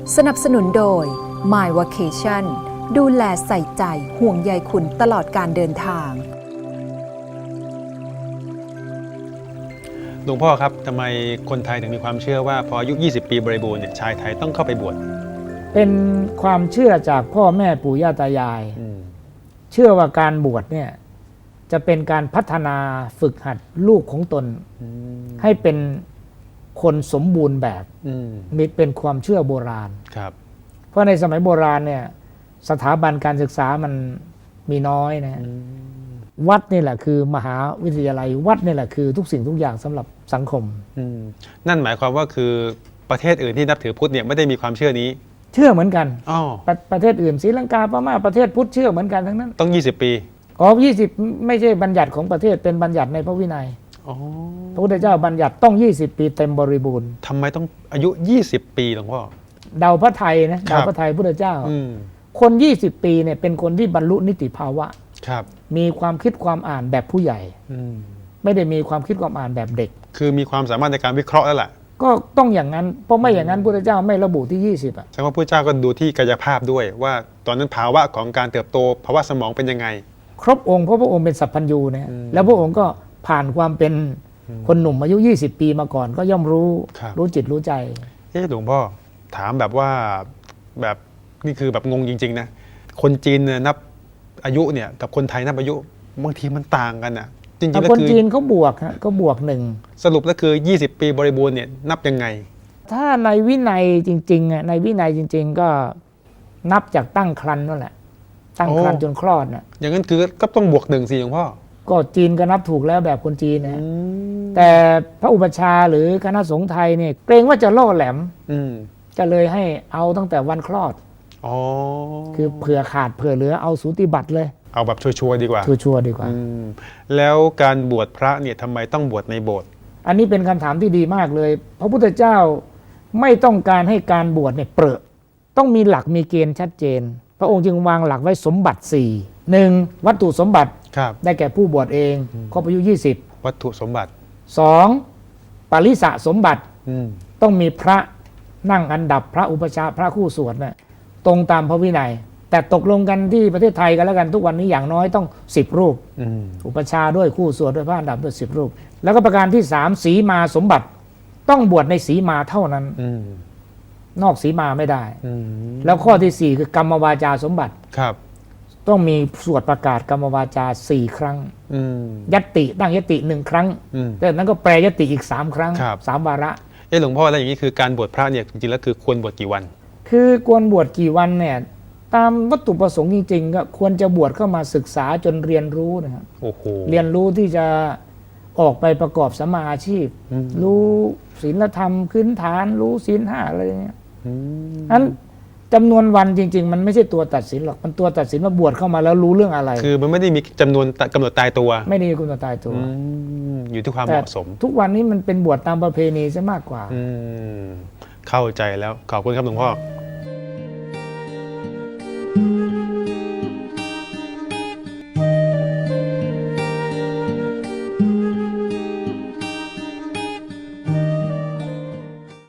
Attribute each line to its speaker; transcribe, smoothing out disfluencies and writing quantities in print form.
Speaker 1: สนับสนุนโดย My Vacation ดูแลใส่ใจห่วงใยคุณตลอดการเดินทาง
Speaker 2: หลวงพ่อครับทำไมคนไทยถึงมีความเชื่อว่าพออายุ 20 ปีบริบูรณ์เนี่ยชายไทยต้องเข้าไปบวช
Speaker 3: เป็นความเชื่อจากพ่อแม่ปู่ย่าตายายเชื่อว่าการบวชเนี่ยจะเป็นการพัฒนาฝึกหัดลูกของตนให้เป็นคนสมบูรณ์แบบมีเป็นความเชื่อโบราณ
Speaker 2: ครับ
Speaker 3: เพราะในสมัยโบราณเนี่ยสถาบันการศึกษามันมีน้อยนะวัดนี่แหละคือมหาวิทยาลัยวัดนี่แหละคือทุกสิ่งทุกอย่างสำหรับสังคม
Speaker 2: นั่นหมายความว่าคือประเทศอื่นที่นับถือพุทธเนี่ยไม่ได้มีความเชื่อนี้
Speaker 3: เชื่อเหมือนกันประเทศอื่นศรีลังกาพม่าประเทศพุทธเชื่อเหมือนกันทั้งนั้น
Speaker 2: ต้อง20 ปี
Speaker 3: 20ไม่ใช่บัญญัติของประเทศเป็นบัญญัติในพระวินัยพระพุทธเจ้าบัญญัติต้อง20 ปีเต็มบริบูรณ์
Speaker 2: ทำไมต้องอายุ20 ปีหลวงพ่อ
Speaker 3: เดาพระไทยนะเดาพระไทยพุทธเจ้าคน20 ปีเนี่ยเป็นคนที่บรรลุนิติภาวะมีความคิดความอ่านแบบผู้ใหญ่ไม่ได้มีความคิดความอ่านแบบเด็ก
Speaker 2: คือมีความสามารถในการวิเคราะห์แล้วล่ะ
Speaker 3: ก็ต้องอย่างนั้นเพราะไม่อย่างนั้นพุทธเจ้าไม่ระบุที่20
Speaker 2: แสดงว่าพุทธเจ้าก็ดูที่กายภาพด้วยว่าตอนนั้นภาวะของการเติบโตภาวะสมองเป็นยังไง
Speaker 3: ครบองค์เพราะพระองค์เป็นสัพพัญญูนะแล้วพระองค์ก็ผ่านความเป็นคนหนุ่มอายุ20 ปีมาก่อนก็ย่อมรู้จิตรู้ใจ
Speaker 2: หลวงพ่อถามแบบว่าแบบนี่คือแบบงงจริงๆนะคนจีนนับอายุเนี่ยกับคนไทยนับอายุบางทีมันต่างกันอ่ะ
Speaker 3: จริงๆแล้วคนจีนเขาบวกก็บวก1
Speaker 2: สรุปแล้วคือ20 ปีบริบูรณ์เนี่ยนับยังไง
Speaker 3: ถ้าในวินัยจริงๆในวินัยจริงๆก็นับจากตั้งครรภ์นั่นแหละตั้งครรภ์จนคลอดน่ะ
Speaker 2: อย่างนั้นคือก็ต้องบวก1สิหลวงพ่อ
Speaker 3: ก็จีนก็นับถูกแล้วแบบคนจีนนะแต่พระอุปัชฌาย์หรือคณะสงฆ์ไทยเนี่ยเกรงว่าจะล่อแหลมจะเลยให้เอาตั้งแต่วันคลอดคือเผื่อขาดเผื่อเหลือเอาสูติบัตรเลย
Speaker 2: เอาแบบชัวร์ดีกว่า
Speaker 3: ชัวร์ดีกว่า
Speaker 2: แล้วการบวชพระเนี่ยทำไมต้องบวชในโบสถ์
Speaker 3: อันนี้เป็นคำถามที่ดีมากเลยพระพุทธเจ้าไม่ต้องการให้การบวชเนี่ยเปรอะต้องมีหลักมีเกณฑ์ชัดเจนพระองค์จึงวางหลักไว้สมบัติ4 1วัตถุสมบัติได้แก่ผู้บวชเองครบอายุ20
Speaker 2: วัตถุสมบัติ
Speaker 3: 2ปริสะสมบัติต้องมีพระนั่งอันดับพระอุปชาพระคู่สวดน่ะตรงตามพระวินัยแต่ตกลงกันที่ประเทศไทยกันแล้วกันทุกวันนี้อย่างน้อยต้อง10 รูปอุปชาด้วยคู่สวดด้วยพระอันดับด้วย10 รูปแล้วก็ประการที่3สีมาสมบัติต้องบวชในสีมาเท่านั้นนอกสีมาไม่ได้แล้วข้อที่4คือกรรมวาจาสมบัติต้องมีสวดประกาศกรรมวาจา4 ครั้งยัตติตั้งยัตติ1 ครั้งแต่นั้นก็แปลยัตติอีก3 ครั้ง3 วาระ
Speaker 2: หลวงพ่อแล้วอย่างนี้คือการบวชพระเนี่ยจริงๆแล้วคือควรบวชกี่วัน
Speaker 3: คือควรบวชกี่วันเนี่ยตามวัตถุประสงค์จริงๆก็ควรจะบวชเข้ามาศึกษาจนเรียนรู้นะครับเรียนรู้ที่จะออกไปประกอบสัมมาอาชีพรู้ศีลธรรมพื้นฐานรู้ศีล5อะไรเงี้ยนั้นจำนวนวันจริงๆมันไม่ใช่ตัวตัดสินหรอกมันตัวตัดสินว่าบวชเข้ามาแล้วรู้เรื่องอะไร
Speaker 2: คือมันไม่ได้มีจำนวนกำหนดตายตัว
Speaker 3: ไม่ได้มีกำหนดตายตัว
Speaker 2: อยู่ที่ความเหมาะสม
Speaker 3: ทุกวันนี้มันเป็นบวชตามประเพณีซะมากกว่า
Speaker 2: เข้าใจแล้วขอบคุณครับหลวงพ่อ